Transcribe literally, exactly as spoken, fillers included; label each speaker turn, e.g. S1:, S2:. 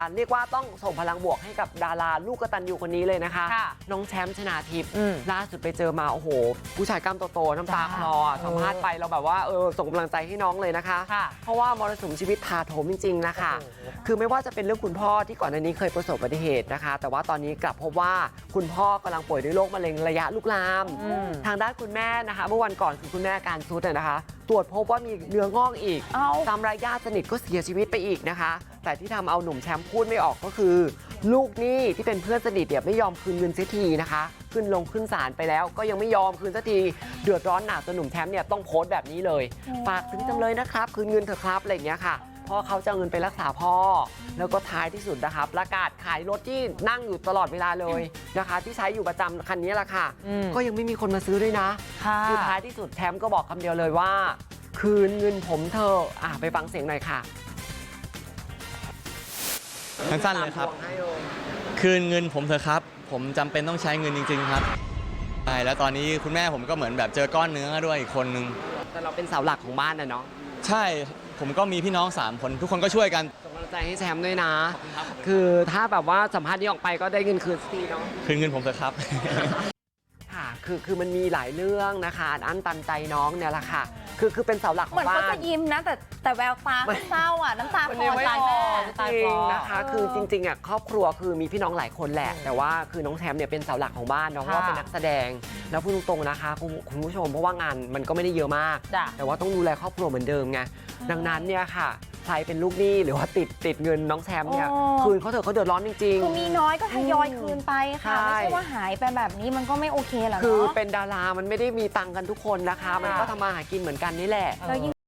S1: เรียกว่าต้องส่งพลังบวกให้กับดาราลูกกตัญญูคนนี้เลยนะคะน้องแชมป์ชนาทิพย์ล่าสุดไปเจอมาโอ้โหผู้ชายกล้ามโตๆน้ำตาคลอสัมภาษณ์ไปเราแบบว่าเออส่งกำลังใจให้น้องเลยนะคะเพราะว่ามรสุมชีวิตถาโถมจริงๆนะคะคือไม่ว่าจะเป็นเรื่องคุณพ่อที่ก่อนหน้านี้เคยประสบอุบัติเหตุนะคะแต่ว่าตอนนี้กลับพบว่าคุณพ่อกำลังป่วยด้วยโรคมะเร็งระยะลุกลามทางด้านคุณแม่นะคะเมื่อวันก่อนคือคุณแม่อาการซุดนะคะตรวจพบว่ามีเนื้องอกอีกตามรายญาติสนิทก็เสียชีวิตไปอีกนะคะแต่ที่ทำเอาหนุ่มแชมป์พูดไม่ออกก็คือลูกหนี้ที่เป็นเพื่อนสนิทเนี่ยไม่ยอมคืนเงินเสียทีนะคะขึ้นลงขึ้นศาลไปแล้วก็ยังไม่ยอมคืนสักทีเดือดร้อนหนักจนหนุ่มแชมป์เนี่ยต้องโพสต์แบบนี้เลยฝากถึงจำเลยนะครับคืนเงินเถอะครับอะไรอย่างเงี้ยค่ะเพราะเขาจะเอาเงินไปรักษาพ่อแล้วก็ท้ายที่สุดนะคะประกาศขายรถที่นั่งอยู่ตลอดเวลาเลยนะคะที่ใช้อยู่ประจำคันนี้แหละค่ะก็ยังไม่มีคนมาซื้อด้วยนะคือท้ายที่สุดแชมป์ก็บอกคำเดียวเลยว่าคืนเงินผมเถอะอ่ะไปฟังเสียงหน่อยค่ะ
S2: สั้นๆเลยครับคืนเงินผมเถอะครับผมจำเป็นต้องใช้เงินจริงๆครับใช่แล้วตอนนี้คุณแม่ผมก็เหมือนแบบเจอก้อนเนื้อด้วยอีกคนนึง
S1: แต่เราเป็นเสาหลักของบ้านนะเนาะ
S2: ใช่ผมก็มีพี่น้องสามคนทุกคนก็ช่วยกัน
S1: ส่งกำลังใจให้แชมป์ด้วยนะคือถ้าแบบว่าสัมภาษณ์นี้ออกไปก็ได้เงินคืนทีเนาะ
S2: คืนเงินผมเถอะครับ
S1: ค่ะคือคือมันมีหลายเรื่องนะคะอันตันใจน้องเนี่ยแหละค่ะคือคือเป็นเสาหลักของบ้าน
S3: เหมือนเขาจะยิ้มนะแต่แต่แววตาเศร้าอ่ะน้ำตาคลอใจแม่
S1: จริงนะคะคือจริงๆอ่ะครอบครัวคือมีพี่น้องหลายคนแหละแต่ว่าคือน้องแชมป์เนี่ยเป็นเสาหลักของบ้านน้องว่าเป็นนักแสดงแล้วพูดตรงๆนะคะคุณผู้ชมเพราะว่างานมันก็ไม่ได้เยอะมากแต่ว่าต้องดูแลครอบครัวเหมือนเดิมไงดังนั้นเนี่ยค่ะใครเป็นลูกหนี้หรือว่าติดติดเงินน้องแชมป์เนี่ยคืนเขาเถอะเขาเดือดร้อนจริง
S3: ๆคือมีน้อยก็ทยอยคืนไปค่ะไม่ใช่ว่าหายไปแบบนี้มันก็ไม่โอเคหรอก
S1: คือเป็นดารามันไม่ได้มีตังค์กันทุกคนนะคะมันก็ทำมาหากินเหมือนกันนี่แหละ